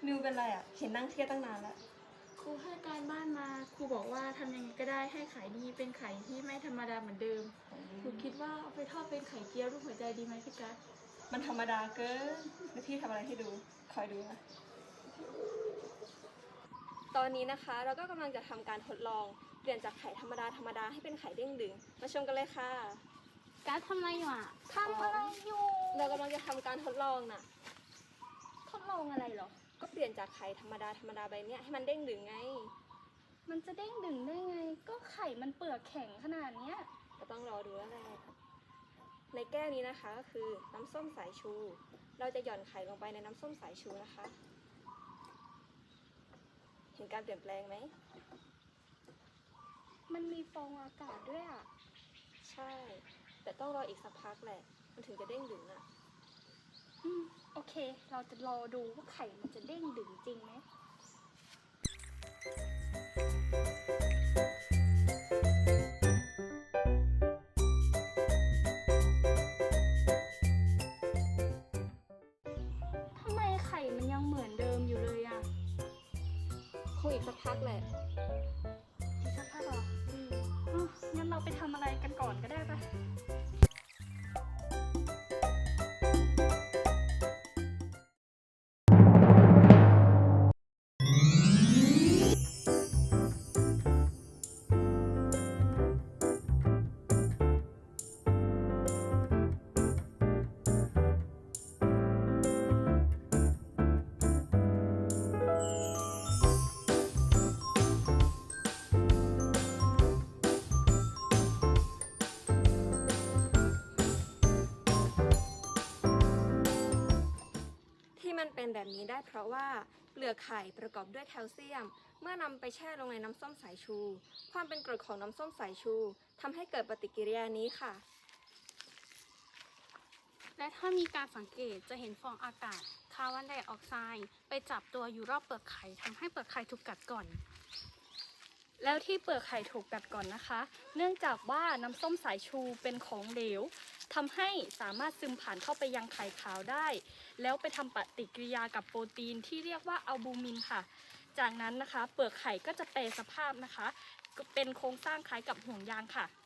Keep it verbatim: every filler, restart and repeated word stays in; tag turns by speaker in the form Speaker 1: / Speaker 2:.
Speaker 1: มิวเป็นไรอ่ะเห็นนั่งเครียดตั้งนานแล้ว
Speaker 2: ครูให้การบ้านมาครูบอกว่าทำยังไงก็ได้ให้ไข่ดีเป็นไข่ที่ไม่ธรรมดาเหมือนเดิมหนูคิดว่าเอาไปทอดเป็นไข่เจียวรูปหัวใจดีไหมพี่กัส
Speaker 1: มันธรรมดาเกินแล้วพี่ทำอะไรให้ดูคอยดูนะตอนนี้นะคะเราก็กำลังจะทำการทดลองเปลี่ยนจากไข่ธรรมดาธรรมดาให้เป็นไข่เด้งดึงมาชมกันเลยค่ะ
Speaker 2: กัสทำอะไรอยู่อ่ะทำอะไรอยู่
Speaker 1: เรากำลังจะทำการทดลองน่ะ
Speaker 2: ทดลองอะไรหรอ
Speaker 1: ก็เปลี่ยนจากไข่ธรรมดาธรรมดาใบเนี้ยให้มันเด้งดึงไง
Speaker 2: มันจะเด้งดึงได้ไงก็ไข่มันเปลือกแข็งขนาดเนี้ย
Speaker 1: ก็ต้องรอดูแล้วแหละในแก้วนี้นะคะก็คือน้ำส้มสายชู เราจะหย่อนไข่ลงไปในน้ำส้มสายชูนะคะเห็นการเปลี่ยนแปลงไหม
Speaker 2: มันมีฟองอากาศด้วยอ่ะ
Speaker 1: ใช่แต่ต้องรออีกสักพักแหละมันถึงจะเด้งดึงอ่ะ
Speaker 2: อืมโอเคเราจะรอดูว่าไข่มันจะเด้งดึงจริงไหมทำไมไข่มันยังเหมือนเดิมอยู่เลยอ่ะ
Speaker 1: คงอีกสักพักแหละ
Speaker 2: อีกสักพักเหรออืมอ่ะงั้นเราไปทำอะไรกันก่อนก็ได้ปะ
Speaker 1: ที่มันเป็นแบบนี้ได้เพราะว่าเปลือกไข่ประกอบด้วยแคลเซียมเมื่อนำไปแช่ลงในน้ำส้มสายชู ความเป็นกรดของน้ำส้มสายชูทำให้เกิดปฏิกิริยานี้ค่ะ
Speaker 2: และถ้ามีการสังเกตจะเห็นฟองอากาศคาร์บอนไดออกไซด์ไปจับตัวอยู่รอบเปลือกไข่ทำให้เปลือกไข่ถูกกัดก่อนแล้วที่เปลือกไข่ถูกกัดก่อนนะคะเนื่องจากว่าน้ำส้มสายชูเป็นของเหลวทำให้สามารถซึมผ่านเข้าไปยังไข่ขาวได้แล้วไปทำปฏิกิริยากับโปรตีนที่เรียกว่าอัลบูมินค่ะจากนั้นนะคะเปลือกไข่ก็จะแปรสภาพนะคะเป็นโครงสร้างคล้ายกับห่วงยางค่ะ